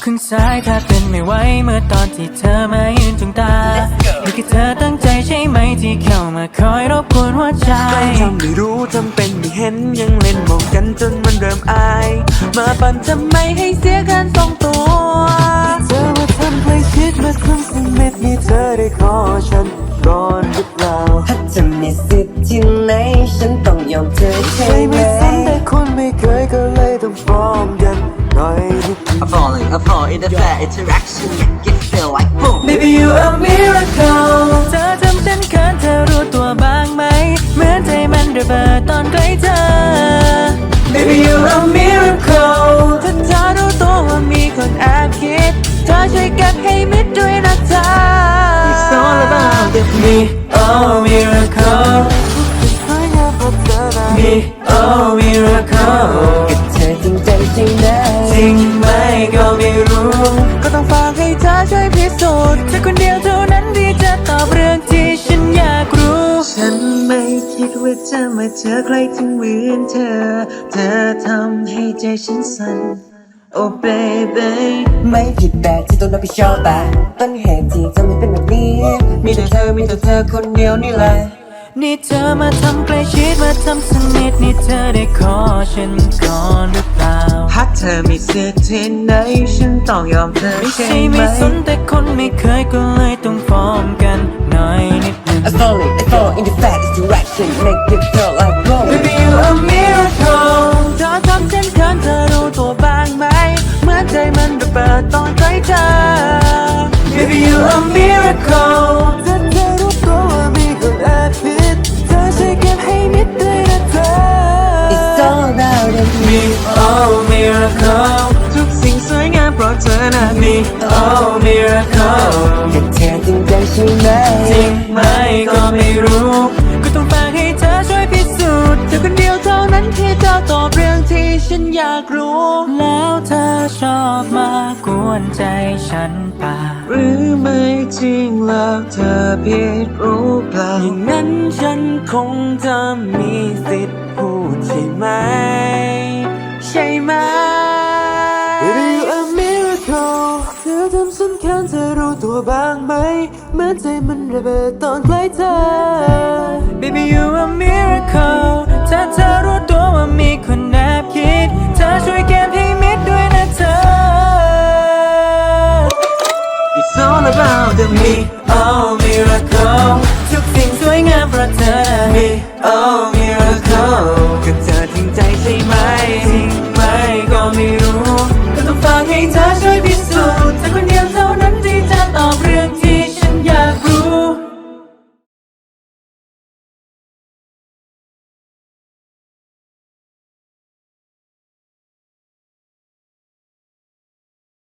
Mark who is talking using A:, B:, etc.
A: ข้างซ้ายถ้าเป็นไม่ไหวเมื่อตอนที่เธอมายืนจ้องตานี่คือเธอตั้งใจใช่ไหมที่เข้ามาคอยรบกวนหัวใจ
B: ทำไม่รู้ทำเป็นไม่เห็นยังเล่นมองกันจนมันเริ่มอายมาปั่นทำไมให้เสียการทรงตัวเธอมาทำใกล้ชิดมาทำสิ่งเม็ดนี้เธอได้ขอฉันก่อนหรือเปล่า
C: ถ้าจะมีสิทธิ์ที่ไหนฉันต้องยอมเธอใช่ไหม
B: ไม่สนแต่คนไม่เคยก็เลยต้องฟ้องกันหน่อยนิด
D: I fall in the fair interaction make it feel like boom
A: Baby you a miracle เธอทำฉันเขินเธอรู้ตัวบ้างไหมเหมือนใจมันระเบิดตอนใกล้เธอ Baby you a miracle ถ้าเธอรู้ตัวว่ามีคนแอบคิดเธอช่วยเก็บให้มิดด้วยนะเธอ
B: It's all about the
A: Me oh miracle
B: สวยงามเพราะเธอนะ
A: Me oh miracle
C: กับเธอจริงใจใช่ไหม
A: จริงไหมก็ไม่รู้
B: ก็ต้องฝากให้เธอช่วยพิสูจน์
A: เธอคนเดียวเท่านั้นที่จะตอบเรื่องที่ฉันอยากรู้
B: ฉันไม่คิดว่าจะมาเจอใครที่เหมือนเธอเธอทำให้ใจฉันสั่น Oh baby
C: ไม่ผิดแต่ที่ต้องรับผิดชอบแต่ต้นเหตุที่ทำให้เป็นแบบนี้
B: มีแต่เธอคนเดียวนี่แหละ
A: นี่เธอมาทำใกล้ชิดมาทำสนิทนี่เธอได้ขอฉันก่อนหรือเปล่า
B: หากเธอมีสิทธิ์ที่ไหนฉันต้องยอมเธอใช่ไหม
A: ไม่สนแต่คนไม่เคยก็เลยต้องฟ้องกันหน่อยนิดนึง
C: I fall in the fat direction make it feel like boom
A: Baby you a miracle เธอทำฉันเขินเธอรู้ตัวบ้างไหมเหมื่อนใจมันระเบิดตอนใกล้เธอ Baby you a miracle
B: ถ้าเธอรู้ตัวว่ามีคนแอบผิดเธอช่วยเก็บให้มิดด้วยนะเธอ
C: It's all about the
A: Me oh miracle
B: ทุกสิ่งสวยงามเพราะเธอนะ
A: Me oh miracle
C: กับเธอจริงใจใช่ไหม
A: จริงไหมก็ไม่รู้ก็ต้องฝากให้เธอช่วยพิสูจน์เธอคนเดียวเท่านั้นที่จะตอบเรื่องที่ฉันอยากรู้แล้วเธอชอบมากวนใจฉันป่า
B: หรือไม่จริงแล้วเธอผิดรู้เปล่าอย่างนั้นฉันคงจะมีสิทธิ์พูดใช่ไหมใช่ไหม Baby you a miracle เธอทำฉันเขินเธอรู้ตัวบ้างไหมเหมือนใจมันระเบิดตอนใกล้เธอ
A: Baby you a miracle ถ้าเธอรู้ตัวว่ามีคนแอบคิดเธอช่วยเก็บให้มิดด้วยนะเธอ
B: It's all about the
A: Me oh miracle ทุกสิ่งสวยงามเพราะเธอ Me oh